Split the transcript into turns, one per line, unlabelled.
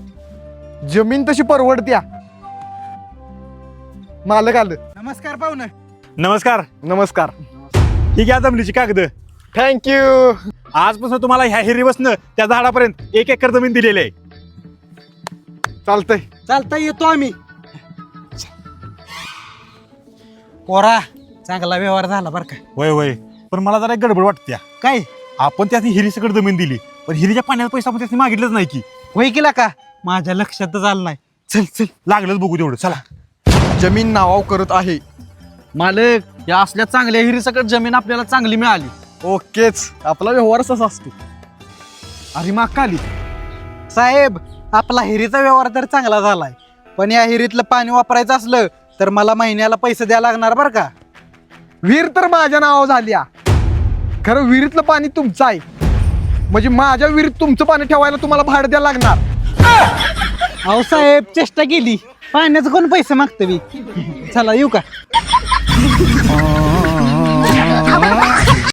जमीन तशी परवडत्या. मालक आलं.
नमस्कार पाहुणं.
नमस्कार.
नमस्कार.
ही घ्या जमिनीची कागद.
थँक्यू.
आजपासून तुम्हाला ह्या हिरीपासून त्या झाडापर्यंत 1 एकर जमीन दिलेली आहे.
चालतंय.
चालता येतो आम्ही. पोरा चांगला व्यवहार झाला बरं का.
होय होय, पण मला जरा एक गडबड वाटत्या.
काय
आपण त्यात हिरी सकट जमीन दिली, पण हिरीच्या पाण्याचा पैसा आपण त्याने मागितलंच नाही की.
होय केला का माझ्या लक्षातच आलं नाही.
चल चल, लागलंच बघू तेवढं. चला.
जमीन नावाव करत आहे.
मालक या असल्या चांगल्या हिरीसकट जमीन आपल्याला चांगली मिळाली.
ओकेच. आपला व्यवहार असाच असतो. अरे माग का आली?
साहेब आपला हिरीचा व्यवहार तर चांगला झालाय, पण या हिरीतलं पाणी वापरायचं असलं तर मला महिन्याला पैसे द्यायला लागणार बरं का.
विहीर तर माझ्या नावावर झाल्या. खरं विहिरीतलं पाणी तुमचं आहे, म्हणजे माझ्या विहिरीत तुमचं पाणी ठेवायला तुम्हाला भाडं द्यायला लागणार.
अहो साहेब चेष्टा केली, पाण्याचं कोण पैसे मागतं मी. चला येऊ का.